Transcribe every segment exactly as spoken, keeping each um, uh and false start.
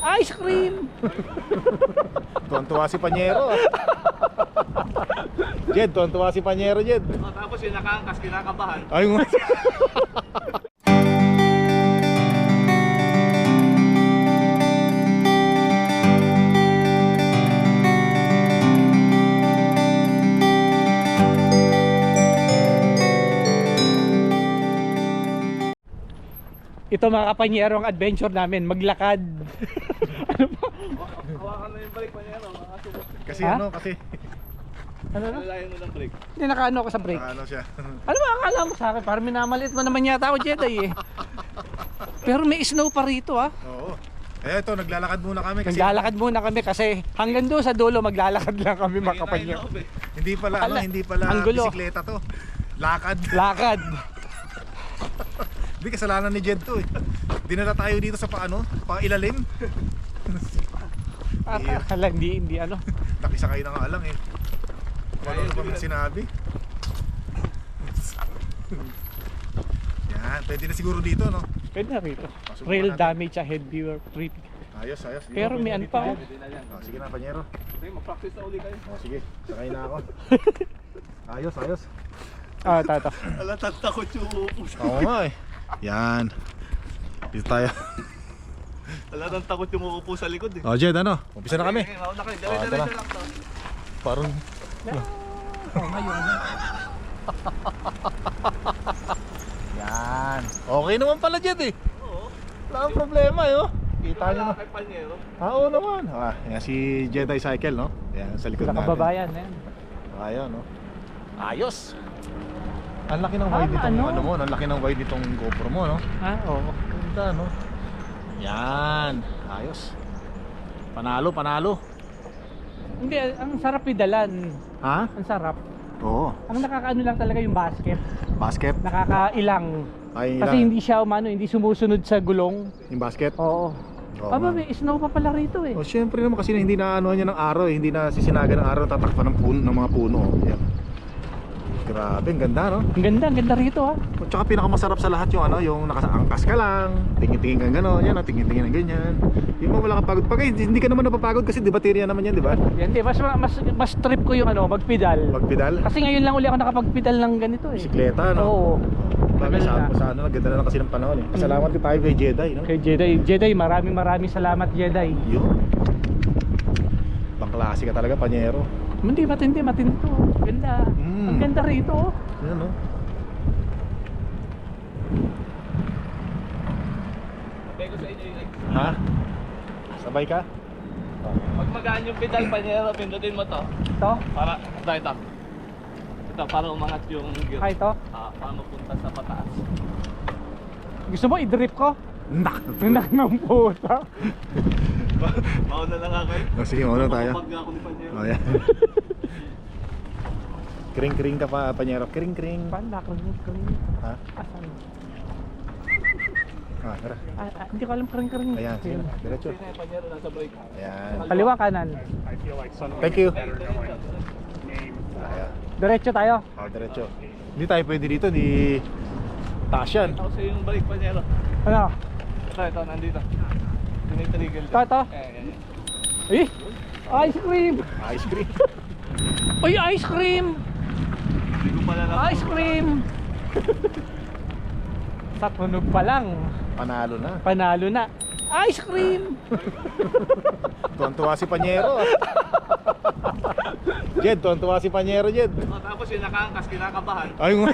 Ice cream! Tuwan-tuwa si Panyero ah. Jed, tuwan-tuwa si Panyero, Jed. Oh, tapos yung nakaangkas, kinakabahan. Ay, nga. Ito mga kapanyero ang adventure namin, maglakad. Ano ba? Hawakan na yung brake pa niya, no? Kasi Ha? ano, kasi Ano na? Nalalayan mo ng brake. Hindi nakaano ako sa brake. ano siya. Ano ba akala mo sa akin? Parang minamalit mo naman yata ako, Jedi eh. Pero may snow pa rito ah. Oo. Eh ito, naglalakad muna kami kasi Naglalakad muna kami kasi hanggang doon sa dulo maglalakad lang kami mga kapanyero. hindi pala ano, Ala, hindi pala ang gulo. bisikleta to. Lakad. Lakad. Hindi kasalanan ni Jed to eh. Dinala tayo dito sa paano, pa ilalim. Akala hindi, hindi ano. Nakisakay na nga lang eh. Wala na pa man sinabi. Yan, pwede na siguro dito no. Pwede na rito. Subukan Real natin. damage ahead viewer trip. Ayos, ayos. Dito, Pero may pwede ano dito, pa Jed. oh. Oh, sige na, Panyero. Sige, mag-practice na uli kayo. Oh, sige, sakay na ako. Ayos, ayos. Ah, tato. Ala, tatakot yung upo. Oo nga eh. Yan. Dito tayo. Ala, takot yung uupo sa likod eh. Oh, Jed, ano? Umpisa na kami. Okay, mauna kayo. Oh, ito Dire-diretso na. lang to. Parang Oh, ngayon. yan. Okay naman pala, Jed eh. Oo. Wala kang problema eh, oh. Kita nyo Wala na. kay Panyero. Ah, oo naman. Ah, yan si Jedi Cycle, no? Yan, sa likod Sa natin. kababayan eh. Ayan, no? Ayos! Ang laki ng Ah, wide nitong ano? ano mo, ang laki ng wide nitong GoPro mo, no? Ah, oo. Ganda, no? Yan, ayos. Panalo, panalo. Hindi, ang sarap idalan. Ha? Ang sarap. Oo. Ang nakakaano lang talaga yung basket. Basket? Nakakailang. Ay, Kasi lang. hindi siya umano, hindi sumusunod sa gulong. Yung basket? Oo. Oo, Aba, nga. may snow pa pala rito eh. Oh, syempre naman kasi hindi na ano niya ng araw eh, hindi na sisinaga ng araw, tatakpan ng puno ng mga puno. Oh. Yan. Grabe, ang ganda, no? Ang ganda, ang ganda rito ha. At saka pinakamasarap sa lahat yung ano, yung nakaangkas ka lang, tingin-tingin kang gano'n, yan, oh, tingin-tingin ng ganyan. Yung mga wala kang pagod. Pag hindi ka naman napapagod kasi di baterya naman yan, di ba? Yan, di, mas, mas, mas trip ko yung ano, magpedal. Magpedal, Kasi ngayon lang uli ako nakapagpedal ng ganito eh. bisikleta, no? Oo. Bagay Tagal sa na. sa ano, naganda na lang kasi ng panahon eh. Salamat ko tayo kay Jedi, no? Kay Jedi, Jedi, maraming maraming salamat Jedi. Yun. Pangklase ka talaga, Panyero. Hindi, matindi, matindi to. Ganda. Mm. Ang ganda rito oh. Yan, no? Sabi ko sa inyo yung Ha? Sabay ka? pag magaan yung pedal, Panyero, pindutin mo to. Ito? Para, ito, ito. Ito, para umangat yung gear. Ah, ito? Ah, para mapunta sa pataas. Gusto mo i-drip ko? Nak! Nak ng puta. Mauna na nga kayo. Oh, sige, mauna tayo. Pag ako ni Panyero. Oh, yan. Kring-kring ka pa, Panyero. Kring-kring. Panda, kring kring. Ha? Asan? Ah, tara. Ah, ah, hindi ko alam kring kring. Ayan, sige na. Diretso. Sino yung Panyero nasa brake? Ayan. Kaliwa kanan. Thank you. Ay, diretso. Ayan. Diretso tayo. Oh, diretso. Hindi tayo pwede dito, di taas yan. Ako sa yung brake, Panyero. Ano? Ito, ito, nandito. Tinitrigil. Ito, ito. Ayan, ayan, ayan. Eh! Ice cream! Ice cream. Uy, ice cream! Hindi ko pala na. Ice cream! Sa tunog pa lang, Panalo na. panalo na. Ice cream! Tuwan-tuwa si Panyero. ah. Jed, tuwan-tuwa si Panyero, Jed. Oh, tapos yung nakaangkas, kinakabahan. Ay, nga.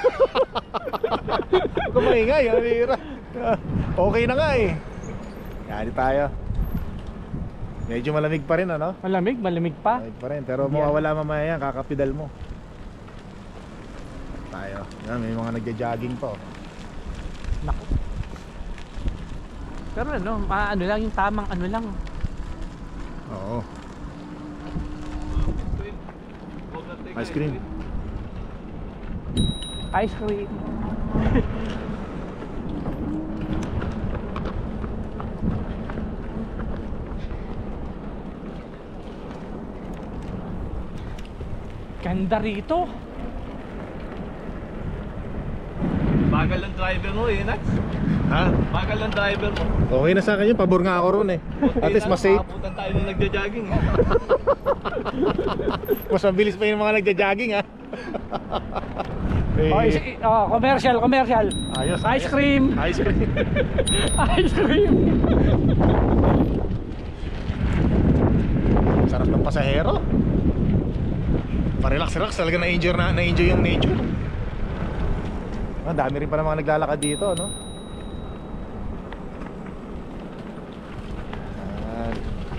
Huwag ka maingay, ang bihira. Okay na nga eh. Yan, di tayo. Medyo malamig pa rin, ano? Malamig, malamig pa. Malamig pa rin, pero Yan. mawawala mamaya yan, kakapidal mo. Tayo. Yan, may mga nagja-jogging pa, oh. Naku. Pero ano, ma- ano lang, yung tamang ano lang. Oo. Huwag na take Ice cream. Ice cream. Ganda rito. Bagal ang driver mo eh, Nax. Ha? Bagal ang driver mo. Okay na sa akin yun, pabor nga ako ron eh. At least mas safe. Makaputan tayo nung nagja-jogging eh. Mas mabilis pa yung mga nagja-jogging ha. Eh, Oh, is, oh, commercial, commercial. ayos, Ice ayos. cream. Ice cream. Ice cream. Sarap ng pasahero. Pa-relax-relax talaga na-enjoy na, na-enjoy yung nature. Ah, dami rin pa ng mga naglalakad dito, no? Ayan.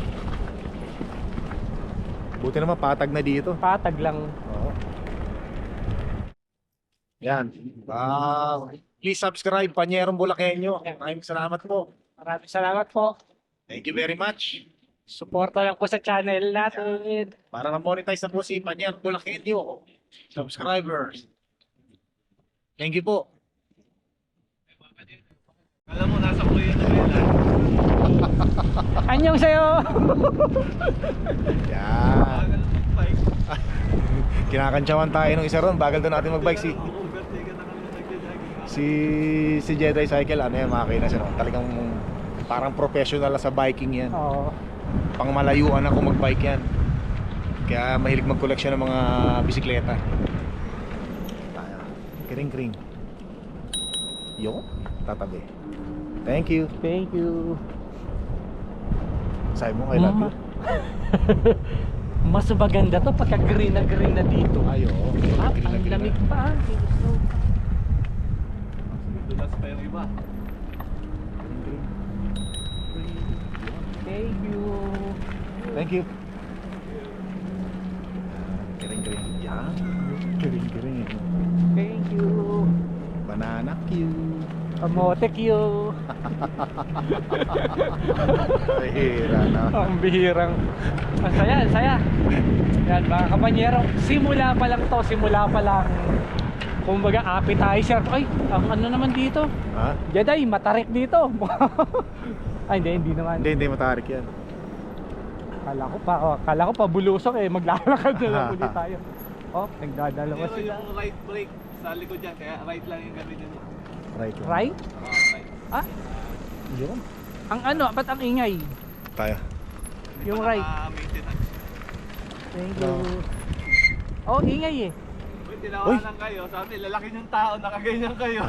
Buti naman patag na dito. Patag lang. Oo. Yan. Wow. Please subscribe, Panyerong Bulakenyo. Maraming salamat po. Maraming salamat po. Thank you very much. Suporta lang po sa channel natin. Para na-monetize na po si Panyerong Bulakenyo. Subscribers. Thank you po. Alam mo, nasa kuya na nila. Anyong sa'yo. Yan. Bagal ang mag-bike. Kinakantsawan tayo ng isa ron. Bagal doon natin mag-bike si Overtaken na kami nung nagja-jogging. si si Jedi Cycle. Ano yan, makina siya, no? Talagang parang professional na sa biking yan. Oo. Pang malayuan ako mag-bike yan. Kaya mahilig mag-collection ng mga bisikleta. Tayo. Kring-kring. Yo, tatabi. Thank you. Thank you. Sabi mo, I love you. Mas maganda to pagka green na green na dito. Ayo. Ah, ang lamig pa. Dulas pa yung iba. Thank you. Thank you. Kring-kring. Yan. Kring-kring. Thank you. Banana Q. Kamote Q. Hira na. Ang bihirang. Ang saya, ang saya. Yan mga kapanyero. Simula pa lang to, simula pa lang. Kumbaga appetizer. Ay, ang ano naman dito? Ha? Jedi, matarik dito. Ay, hindi, hindi naman. Hindi, hindi matarik yan. Kala ko pa, oh, kala ko pa bulusok eh. Maglalakad na lang ulit tayo. Oh, nagdadalawa Pero sila. yung right brake sa likod dyan, kaya right lang yung gamitin mo. Right. Right? Ah, right. Ah, Yun. ang ano, ba't ang ingay? Tayo. Hindi Yung pa right. naka-maintenance. Thank you. Oh, ingay eh. Uy, tinawanan kayo. Sabi, lalaki yung tao, nakaganyan kayo.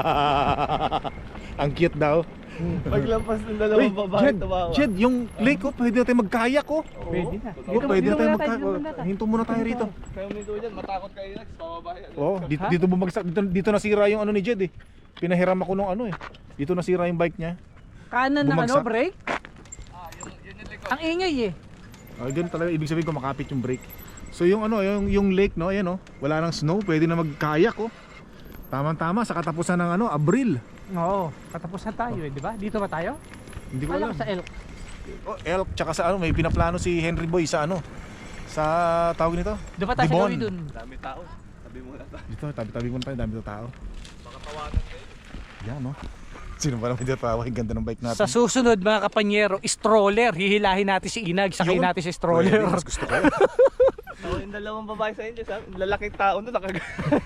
Ang cute daw. Paglampas ng Uy, dalawang babae, Jed, tumawa. Jed, yung lake ko, pwede na tayo magkayak ko. Oo. Pwede na. Oh, Dito- pwede dito na tayo muna tayo, magkayak. dito muna tayo. Hinto muna tayo rito. Kayo minto dyan, matakot kayo Lex, pababa yan. Oh, dito, Ha? dito bumagsak. Dito, dito nasira yung ano ni Jed eh. Pinahiram ako nung ano eh. Dito nasira yung bike niya. Kanan na ano, Bumagsak. brake? Ah, yun, yun yung likod. Ang ingay eh. Oh, ganun talaga. Ibig sabihin ko makapit yung brake. So yung ano, yung, yung lake no, ayan oh. Wala nang snow, pwede na magkayak oh. Tama-tama sa katapusan ng ano, Abril. Oo, katapos na tayo eh, di ba? Dito ba tayo? Hindi ko Alam alam. ko sa elk. Oh, elk, tsaka sa ano, may pinaplano si Henry Boy sa ano, sa tawag nito. Doon pa tayo sa Dibon. gawin dun. Dami tao. Sabi mo na tayo. Dito, tabi-tabi muna tayo, dami ng tao. Baka tawanan kayo. Yan no. Sino ba naman dito tawa? Ang ganda ng bike natin. Sa susunod mga kapanyero, stroller. Hihilahin natin si Inag, sakay Yun. natin si stroller. Pwede, mas gusto ko. Ako yung dalawang babae sa inyo, sabi, lalaking tao doon, nakag...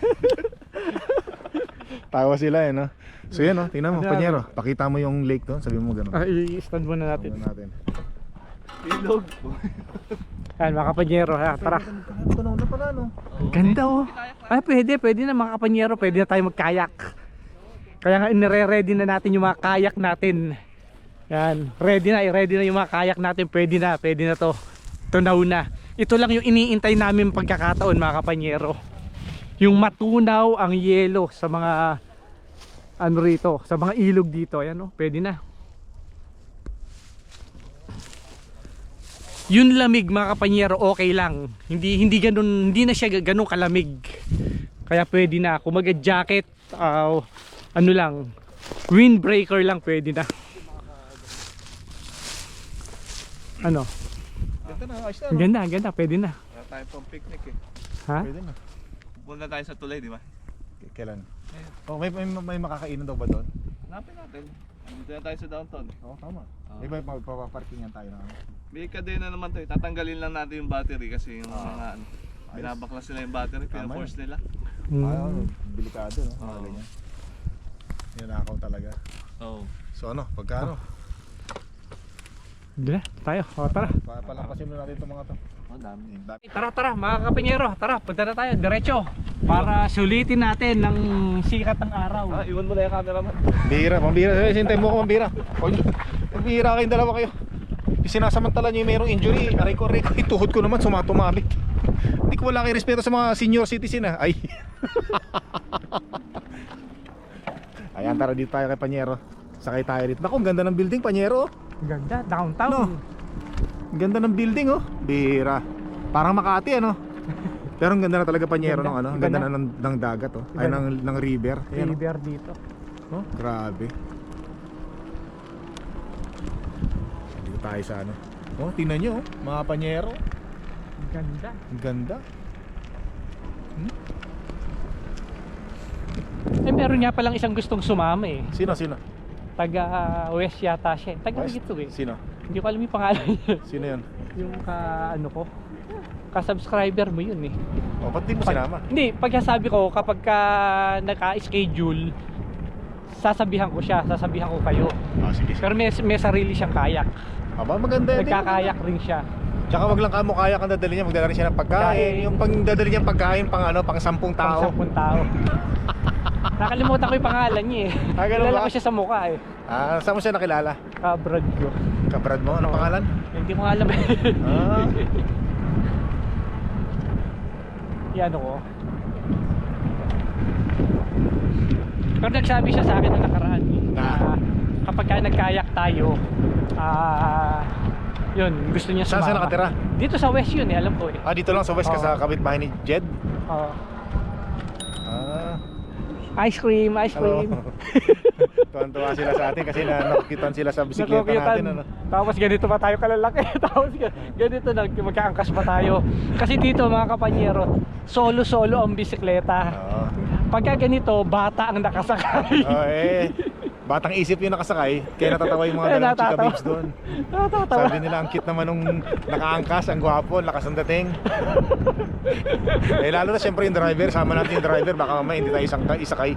Tawa sila eh no. So yan no, tingnan mo, Ano Panyero. Pakita mo yung lake doon, sabi mo gano'n. Ah, i-stand muna natin. Tingnan natin. Ilog. Yan mga kapanyero, ha, tara. Ito na una pala no. Ganda oh. Ay, pwede, pwede na mga kapanyero, pwede na tayo magkayak. Kaya nga inire-ready na natin yung mga kayak natin. Yan, ready na, ready na yung mga kayak natin, pwede na, pwede na to. Tunaw na. Ito lang yung iniintay namin pagkakataon mga kapanyero. Yung matunaw ang yelo sa mga ano rito, sa mga ilog dito. Ayan oh, pwede na. Yun lamig mga kapanyero, okay lang. Hindi hindi ganun, hindi na siya ganun kalamig. Kaya pwede na. Kung mag-jacket, uh, ano lang, windbreaker lang pwede na. Ano? Ganda na, ayos na Ang no. ganda, ang ganda, pwede na. Wala tayong pang picnic eh. Ha? Pwede na. Pupunta tayo sa tulay, di ba? K- Kailan? Oh, may, may, may makakainan daw ba doon? Hanapin natin. Dito na tayo sa downtown. Oo, tama. Ah. May ba magpaparkingan tayo na ano? May kadena naman to eh. Tatanggalin lang natin yung battery kasi yung Ah. mga ano, binabaklas nila yung battery, Tama pinaforce nila. Hmm. Ah, delikado no? Oo. Mga ganyan. Ninakaw talaga. Oo. So ano, pagka ano, Hindi na, tayo. O, tara. pa palampasin mo natin itong mga to. Oh, dami. Yung dami. Tara, tara, mga kapenyero. Tara, punta na tayo. Diretso. Para sulitin natin ng sikat ng araw. Ah, iwan mo na yung camera man. Bira, pambira. Eh, sintay mo ako pambira. Pambira kayong dalawa kayo. Sinasamantala nyo yung mayroong injury. Aray ko, aray ko. Yung tuhod ko naman sumatumabit. Hindi ko wala kayo respeto sa mga senior citizen ha. Ay. Ayan, tara dito tayo kay Panyero. Sakay tayo dito. Naku, ang ganda ng building, Panyero. Ganda, downtown. No. Ang ganda ng building oh. Bira. Parang Makati ano. Pero ang ganda na talaga Panyero ng ano. Ang ganda na ng, ng dagat oh. Ay ng, ng river. Ayan, oh. River dito. Oh, grabe. Dito tayo sa ano. Oh, tingnan nyo oh. Mga Panyero. Ganda. Ang ganda. Hmm? Eh, meron nga palang isang gustong sumama eh. Sino, sino? Taga uh, West yata siya. Taga West? dito eh. Sino? Hindi ko alam yung pangalan niya. Sino yun? Yung ka ano ko. Ka-subscriber mo yun eh. Oh, ba't di mo Pag- sinama? Hindi, pagkasabi ko kapag ka naka-schedule, sasabihan ko siya, sasabihan ko kayo. Ah, sige, sige. Pero may, may sarili siyang kayak. Aba, maganda yun. Nagkakayak rin siya. Tsaka wag lang kamo kaya kang dadali niya, magdala rin siya ng pagkain. Pagkain. Yung pang dadali niya pagkain pang ano, pang sampung Pang tao. sampung tao. Nakalimutan ko yung pangalan niya eh. Ah, ganun Kilala ba? ko siya sa mukha eh. Ah, saan mo siya nakilala? Kabrad ko. Kabrad mo? Anong pangalan? Hindi mo alam eh. Ah. Yan ko. Pero nagsabi siya sa akin na nakaraan eh, na Na? kapag ka nagkayak tayo, ah yun, gusto niya Saan sumama. siya nakatira? Dito sa West yun eh, alam ko eh. Ah, dito lang sa West ka Oo. sa kapitbahay ni Jed? Oo. Ah. Ice cream, ice Hello. cream. Tuwan-tuwa sila sa atin kasi na nakikitan sila sa bisikleta Nakukitan. natin ano. Tapos ganito pa tayo kalalaki. Tapos ga- ganito na magkaangkas pa tayo. Kasi dito mga kapanyero, solo-solo ang bisikleta. Oo. Pagka ganito, bata ang nakasakay. Oh, eh. Batang isip yung nakasakay, kaya natatawa yung mga Eh, dalawang chika natatawa. babes doon. Natatawa. Sabi nila ang cute naman nung nakaangkas, ang gwapo, ang lakas ng dating. Eh lalo na siyempre yung driver, sama natin yung driver, baka mamaya hindi tayo isang isakay.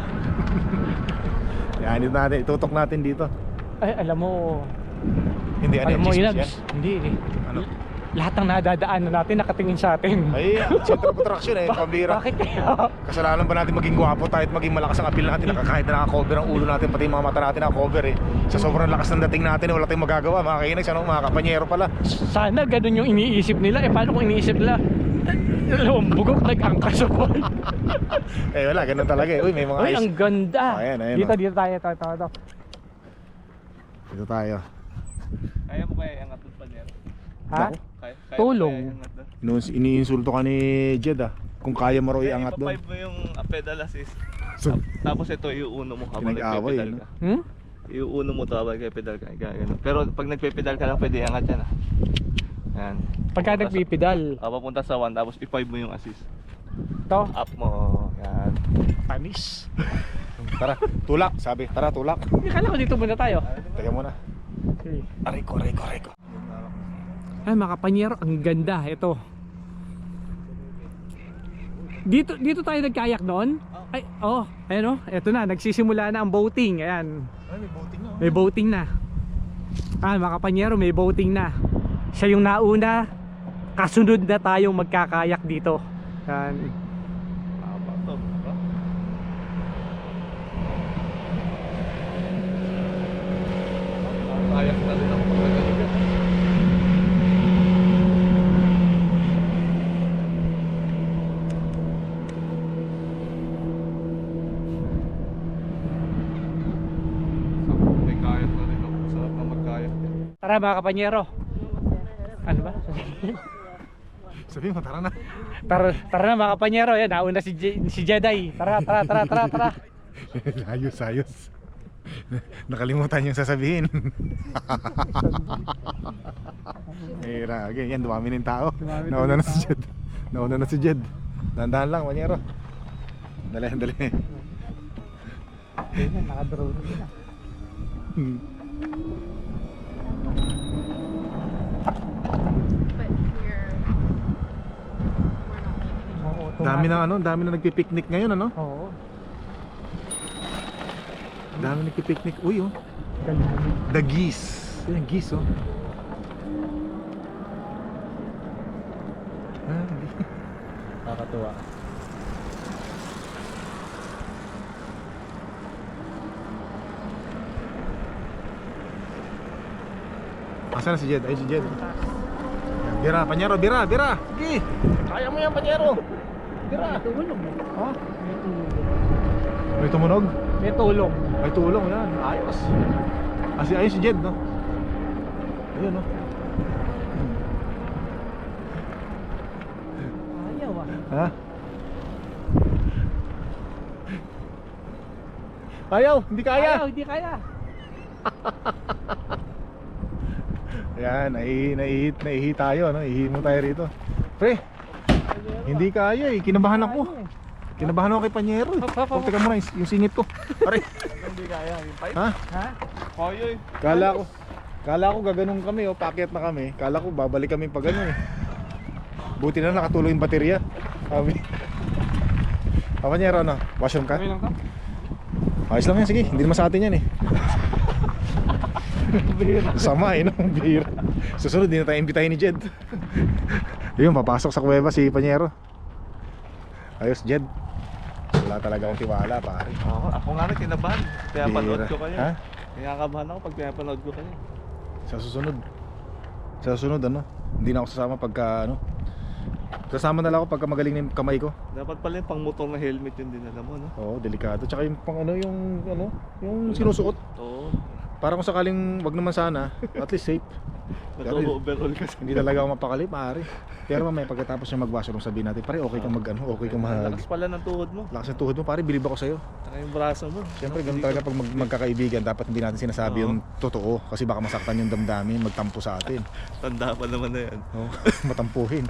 Yan, dito natin, itutok natin dito. Ay, alam mo, Hindi, ano alam yung mo, chismis Inags, yan? hindi eh. Ano? Lahat ng nadadaanan natin nakatingin sa atin. Ay, center of attraction eh, pambira. Bakit kaya? Kasalanan ba natin maging gwapo tayo at maging malakas ang appeal natin, nakakahit na nakakover ang ulo natin, pati yung mga mata natin nakakover eh. Sa sobrang lakas ng dating natin, eh, wala tayong magagawa, mga kainags, ano, mga kapanyero pala. Sana ganun yung iniisip nila. Eh paano kung iniisip nila? Dalawang bugok nag-angkas ako. Eh wala, ganun talaga eh. Uy, may mga Uy, ice. ang ganda. Oh, ayan, ayan, dito, oh. dito tayo. Ito, ito, ito. Dito tayo. Kaya mo kaya iangat doon pa niya? Ha? Naku. Kaya, kaya Tulong. mo kaya iangat doon? Inu- Iniinsulto ka ni Jed ah. Kung kaya mo raw Kaya iangat doon. ipa-five mo yung ah, pedal assist. So, Tapos ito iuuno mo habang Pinag-away, nagpe-pedal ano? ka. Hmm? Iuuno mo to habang nagpe-pedal ka. Kaya ganun. Pero pag nagpe-pedal ka lang pwede iangat yan ah. Yan. Pagka Papunta sa- nagpipidal. Ah, papunta sa one tapos i-five mo yung assist. Ito. Up mo. Yan. panis. Tara, tulak. Sabi, tara, tulak. Akala ko dito muna tayo. Teka muna. Okay. Aray ko, aray ko, aray ko. Ay mga kapanyero, ang ganda. Ito. Dito dito tayo nagkayak noon? Ay, oh, ayan oh. Ito na, nagsisimula na ang boating. Ayan. Ay, may boating na. May boating na. Ah, mga kapanyero, may boating na. Siya yung nauna. Kasunod na tayong magkakayak dito. Yan. Tama to. Diba? Kayak na rin ako pagkagaling. May kayak na rin ako. Sarap na magkayak. Tara mga kapanyero. Ano ba? Sabi mo, tara na. Tara, tara na mga kapanyero. Yan, nauna si, Je- si Jedi. Tara, tara, tara, tara, tara. ayos, ayos. Nakalimutan yung sasabihin. Eh, ragi. Yan, dumami na yung tao. Dumami na Nauna yung na si tao. Jed. Nauna na si Jed. Dahan-dahan lang, Panyero. Dali, dali. Yan, naka-drone na. Hmm. But we're we're not leaving. Oo, Dami na ano, dami na nagpi-picnic ngayon ano? Oo. Dami nagpipiknik. Uy, oh. The geese. Yan, geese, oh. Ah, geese. Nakakatuwa. Asan na si Jed? Ay, si Jed. Yan, Bira, Panyero, Bira, Bira. Sige. Kaya mo yan, Panyero. Bira. Tulong. Ha? May tumunog? May tulong. May tulong yan. Ayos. Asi ayos si Jed, no? Ayun, no? Ayaw ah. Ha? Ayaw, hindi kaya. Ayaw, hindi kaya. Yan, naihi, naihi, naihi tayo, no? Ihi mo tayo rito. Pre, hindi kaya eh. Kinabahan ako. Kinabahan ako kay Panyero eh. Hop, hop, hop. Oh, teka muna, yung, yung singit ko. Pare. Hindi kaya, yung pipe. Ha? Ha? Kaya eh. Kala ko, kala ko gaganong kami, oh, packet na kami. Kala ko babalik kami pag ano eh. Buti na nakatuloy yung baterya. Sabi. Ah, Panyero, ano? Washroom ka? Okay lang to? Ayos lang yan, sige. Hindi naman sa atin yan eh. Sama eh, no? Bihira. Susunod, hindi na tayo imbitahin ni Jed. Yun, papasok sa kuweba si Panyero. Ayos, Jed. Wala talaga akong tiwala, pare. Oo, ako nga rin kinabahan. Kaya panood Bihira. ko kayo. Ha? Kaya kabahan ako pag pinapanood ko kayo. Sa susunod. Sa susunod, ano? Hindi na ako sasama pagka, ano? Sasama na lang ako pagka magaling na yung kamay ko. Dapat pala yung pang motor na helmet yung dinala mo, no? Oo, delikado. Tsaka yung pang ano, yung, ano, yung sinusuot. Oo. Para kung sakaling wag naman sana, at least safe. Naka-overall kasi. Hindi talaga ako mapakali, pare. Pero mamaya pagkatapos niya mag-washroom, sabihin natin, pare, okay kang mag, ano, okay kang mag... Lakas pala ng tuhod mo. Lakas ng tuhod mo, pare, bilib ako sa'yo. Saka yung braso mo. Siyempre, ganun talaga pag mag magkakaibigan, dapat hindi natin sinasabi Oo. yung totoo. Kasi baka masaktan yung damdamin, magtampo sa atin. Tanda pa naman na yan. Oh, matampuhin.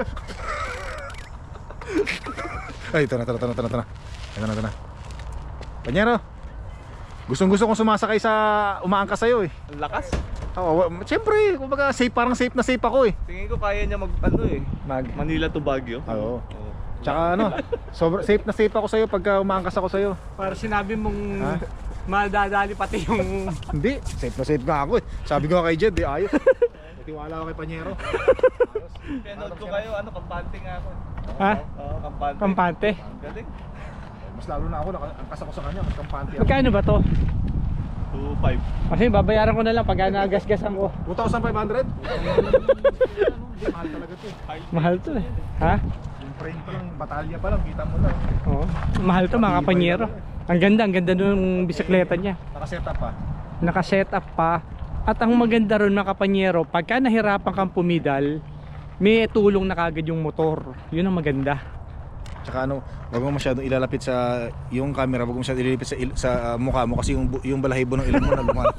Ay, ito na, ito na, ito na, ito na, ito na. Ito na, ito na. Panyero, gustong gusto kong sumasakay sa umaangkas sa'yo eh. Ang lakas. Oo, wa- siyempre, kumbaga safe, parang safe na safe ako eh. Tingin ko kaya niya mag, ano eh. Mag, Manila to Baguio. Oo. Oo. Tsaka ano, sobra, safe na safe ako sa'yo pagka umaangkas ako sa'yo. Para sinabi mong Ha? madadali pati yung... Hindi, safe na safe nga ako eh. Sabi ko nga kay Jed, eh, ayos. Tiwala ako kay Panyero. Pinanood ko kayo, ano, kampante nga ako. Ha? Oo, kampante. Kampante. Ang galing. Mas lalo na ako, nakaangkas ako sa kanya, mas kampante ako. Magkano ba to? two five. Kasi babayaran ko na lang pag nagasgasan ko. two thousand five hundred? Hindi, mahal talaga to eh. Mahal to eh. Ha? Yung frame pa lang, batalya pa lang, kita mo lang. Oo. Mahal to mga kapanyero. Ang ganda, ang ganda nung bisikleta niya. Nakaset up pa. Naka-set up pa. At ang maganda ron mga kapanyero, pagka nahirapan kang pumidal, may tulong na kagad yung motor. Yun ang maganda. Tsaka ano, wag mo masyadong ilalapit sa yung camera, wag mo masyadong ilalapit sa, il- sa uh, mukha mo kasi yung, bu- yung balahibo ng ilong mo na lumal.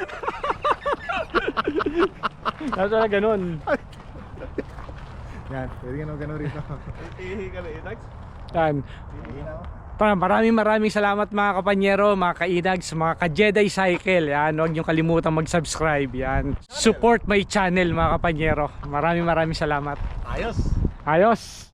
Tapos wala ganun. Yan, pwede ka na gano'n rito. Ihi ka na, Inax? Yan. Pa, maraming maraming salamat mga kapanyero, mga kainags, mga ka-Jedi Cycle. Yan, huwag niyong kalimutan mag-subscribe. Yan. Support my channel mga kapanyero. Maraming maraming salamat. Ayos! Ayos!